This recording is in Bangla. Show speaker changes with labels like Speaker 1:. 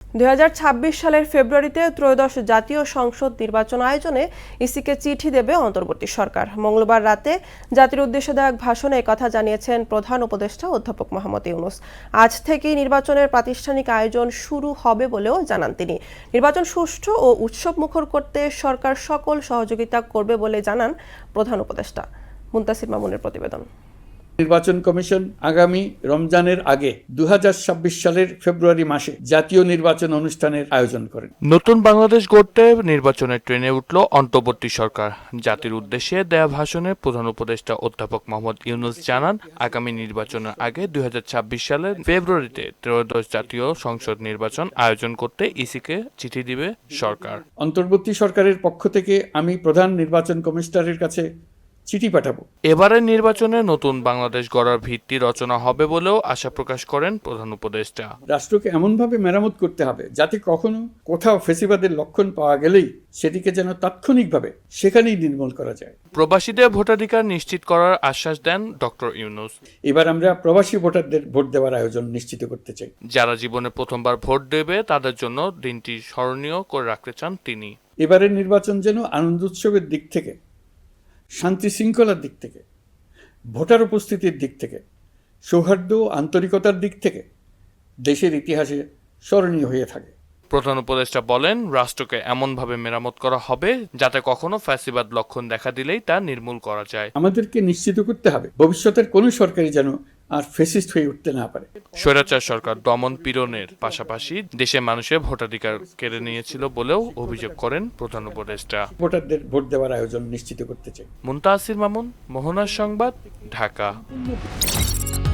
Speaker 1: 2026 সালের ফেব্রুয়ারিতে ত্রয়োদশ জাতীয় সংসদ নির্বাচন আয়োজনে ইসিকে চিঠি দেবে অন্তর্বর্তী সরকার। মঙ্গলবার রাতে জাতির উদ্দেশ্যে দেওয়া এক ভাষণে একথা জানিয়েছেন প্রধান উপদেষ্টা অধ্যাপক মোহাম্মদ ইউনূস। আজ থেকেই নির্বাচনের প্রাতিষ্ঠানিক আয়োজন শুরু হবে বলেও জানান তিনি। নির্বাচন সুষ্ঠু ও উৎসবমুখর করতে সরকার সকল সহযোগিতা করবে বলে জানান প্রধান উপদেষ্টা। মুনতাসির মামুনের প্রতিবেদন।
Speaker 2: নির্বাচন কমিশন আগামী রমজানের আগে 2026 সালের ফেব্রুয়ারি মাসে জাতীয় নির্বাচন অনুষ্ঠানের আয়োজন করেন।
Speaker 3: নতুন বাংলাদেশ গড়তে নির্বাচনের ট্রেনে উঠল অন্তর্বর্তী সরকার। জাতির উদ্দেশ্যে দেয়া ভাষণে প্রধান উপদেষ্টা অধ্যাপক মোহাম্মদ ইউনূস জানান, আগামী নির্বাচনের আগে 2026 সালের ফেব্রুয়ারিতে ত্রয়োদশ জাতীয় সংসদ নির্বাচন আয়োজন করতে ইসিকে চিঠি দিবে সরকার।
Speaker 2: অন্তর্বর্তী সরকারের পক্ষ থেকে আমি প্রধান নির্বাচন কমিশনারের কাছে চিঠি পাঠাবো।
Speaker 3: এবারের নির্বাচনে নতুন বাংলাদেশ গড়ার ভিত্তি রচনা হবে বলেও আশা প্রকাশ করেন প্রধান উপদেষ্টা।
Speaker 2: রাষ্ট্রকে এমনভাবে মেরামত করতে হবে যাতে কখনো কোথাও ফ্যাসিবাদের লক্ষণ পাওয়া গেলেই সেটিকে যেন তাৎক্ষণিকভাবে সেখানেই নির্মূল করা যায়।
Speaker 3: প্রবাসীদের ভোটাধিকার নিশ্চিত করার আশ্বাস দেন ডক্টর ইউনূস।
Speaker 2: এবার আমরা প্রবাসী ভোটারদের ভোট দেওয়ার আয়োজন নিশ্চিত করতে চাই।
Speaker 3: যারা জীবনে প্রথমবার ভোট দেবে তাদের জন্য দিনটি স্মরণীয় করে রাখতে চান তিনি।
Speaker 2: এবারের নির্বাচন যেন আনন্দ উৎসবের দিক থেকে, শান্তি শৃঙ্খলার দিক থেকে, ভোটার উপস্থিতির দিক থেকে, সৌহার্দ্য ও আন্তরিকতার দিক থেকে দেশের ইতিহাসে স্মরণীয় হয়ে থাকে।
Speaker 3: প্রধান উপদেষ্টা বলেন, রাষ্ট্রকে এমনভাবে মেরামত করা হবে যাতে কখনো ফ্যাসিবাদ লক্ষণ দেখা দিলেই তা নির্মূল করা যায়।
Speaker 2: আমাদেরকে নিশ্চিত করতে হবে ভবিষ্যতের কোনো সরকারই যেন আর ফ্যাসিস্ট হয়ে উঠতে না পারে।
Speaker 3: স্বৈরাচার সরকার দমন পীড়নের পাশাপাশি দেশের মানুষের ভোটাধিকার কেড়ে নিয়েছিল বলেও অভিযোগ করেন প্রধান উপদেষ্টা।
Speaker 2: ভোটারদের ভোট দেওয়ার আয়োজন নিশ্চিত করতে চাই।
Speaker 3: মুনতাসির মামুন, মোহনার সংবাদ, ঢাকা।